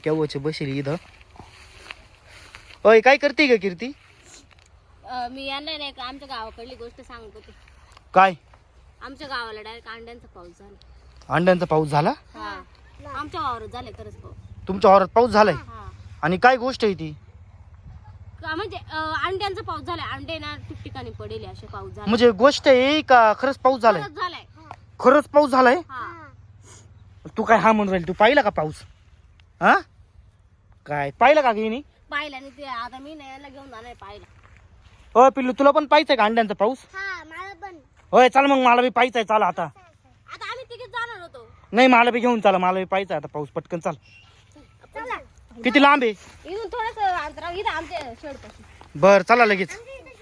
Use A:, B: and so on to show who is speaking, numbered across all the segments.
A: केव्हाचे बसेल इथं. ओय काय करते का कीर्ती?
B: मी यांना नाही का आमच्या गावाकडली गोष्ट सांगत होते.
A: काय?
B: आमच्या गावाला डायरेक्ट अंड्यांचा पाऊस झाला.
A: अंड्यांचा पाऊस झाला?
B: हा आमच्या वावरात झाले खरंच पाऊस.
A: तुमच्या वावरात पाऊस झालाय?
B: हा
A: आणि काय गोष्ट आहे ती?
B: म्हणजे अंड्यांचा पाऊस झालाय. अंडे ना ठिकठिकाणी पडेले असे पाऊस झाला.
A: म्हणजे गोष्ट आहे का खरंच पाऊस झालाय?
B: खरंच झालाय.
A: खरंच पाऊस झालाय?
B: हा
A: तू काय हा म्हणून राहील? तू पाहिला का पाऊस? हा काय पाहिलं का गेली?
B: पाहिला नाही ते. आता मी नाही याला घेऊन जाणार पाहिला.
A: हो पिल्लू तुला पण पाहिजे का अंड्यांचा पाऊस?
B: हा मला पण.
A: होय चल मग मला बी पाहिजे. चला आता.
B: आता आम्ही तिघेच जाणार होतो.
A: नाही मला बी घेऊन चला. मला बी पाहिजे आता पाऊस. पटकन चाल.
B: चला
A: किती लांब आहे?
B: इथून थोडस अंतरावर इथं आमच्या शेडपाशी.
A: बर चला लगेच.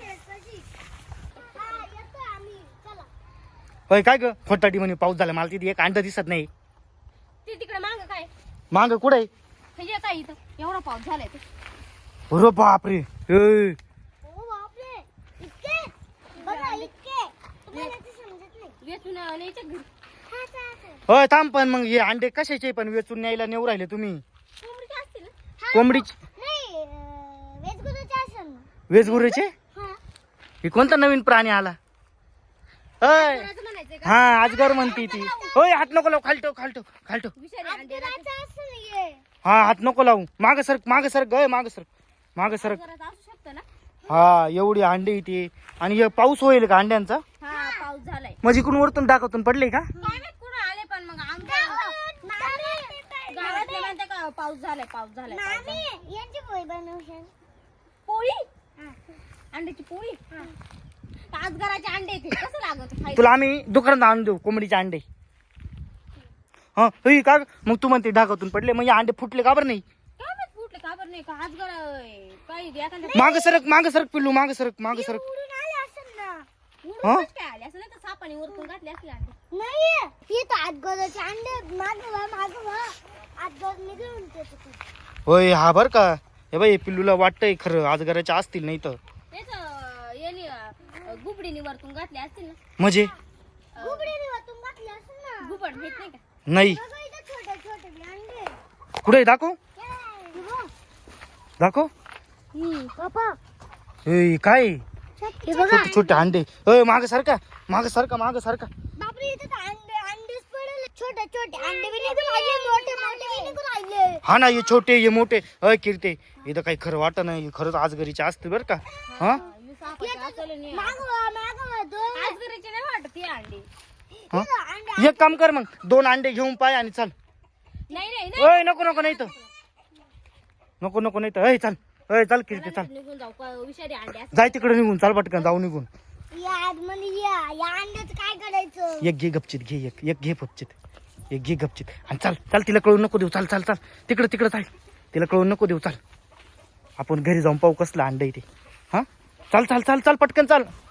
A: होय काय ग खोटाटी म्हणे पाऊस झाला. मला तिथे एक अंड दिसत नाही.
B: ते तिकडे माग काय
A: माग कुठे आहे?
B: हे काय इथं एवढा पाऊस झालाय ते.
A: अरे बापरे. ए,
B: वेचून न्यायच्या घरी.
A: होय थांब पण मग हे अंडे कशाचे पण वेचून न्यायला नेऊ राहिले तुम्ही?
B: कोंबडीचे असतील ना?
A: कोंबडीचे? वेजगुरेचे? हे कोणता नवीन प्राणी आला? होय
B: कोणाचं म्हणायचंय का?
A: हा अजगर म्हणती ती. होय हात नको लावू. खालटो खालटो खालटो.
B: विषारी अंडे राहते.
A: हा हात नको लावू. माग सरक माग सरक गय माग सरक माग सरक.
B: जरा असू शकतं ना.
A: हा एवढी अंडे इथे. आणि हे पाऊस होईल का अंड्यांचा?
B: हा पाऊस झालाय.
A: म्हणजे इकडून वरतून टाकातून पडले का?
B: काय माहित कुठं आले पण मग आमच्या गावातले म्हणते का पाऊस झालाय पाऊस झालाय पाऊस झालाय. पोळी अंड्याची पोळी. ताजगराचे अंडे ते कसं लागत खायला?
A: तुला आम्ही दुकानात आणून देऊ कोंबडीचे अंडे. हा होई का मग तू म्हणते ढाकातून पडले म्हणजे अंडे फुटले का बरं नाही?
B: काय माहित फुटले का बरं नाही का आजगर काही एखाद्या
A: माग सरक पिल्लू माग सरक माग सरक. हा?
B: उडून काय आले असं नाही तर सापाने वरतून घातले असले अंडे.
A: होय हा बर का. हे बाई पिल्लूला वाटतंय खरं अजगराच्या असतील नाही तर.
B: तेच याने गुबडीने वरतून घातले असतील ना.
A: म्हणजे
B: गुबड माहित नाही का?
A: नाही कुठे दाखव दाखव. ए काय छोटे छोटे अंडे. होय माग सारखा माग सारखा माग सारखा. हा ना हे छोटे हे मोठे. अय किरते इथं काही खरं वाटत नाही. खरंच आजगरीचे असते बरं का. हा
B: आजगराचे नाही वाटत हे अंडे.
A: हा? एक काम कर मग 2 अंडे घेऊन पाय आणि चल.
B: नाही नाही नाही.
A: ओय नको नको नाही तर नको नको नाही तर. अय चल अय चल किरते चल.
B: निघून जाऊ का विषारी अंडे असतात.
A: जाय तिकडे निघून चाल पटकन जाऊ निघून.
C: काय करायचं?
A: एक घे गपचित घे. एक घे गपचित. एक घे गपचित आणि चल चल. तिला कळून नको देऊ. चल चल चल तिकडे तिकडे चाल. तिला कळून नको देऊ. चल आपण घरी जाऊन पाहू कसलं अंड आहे ते. हा चल चल चल चल पटकन चल.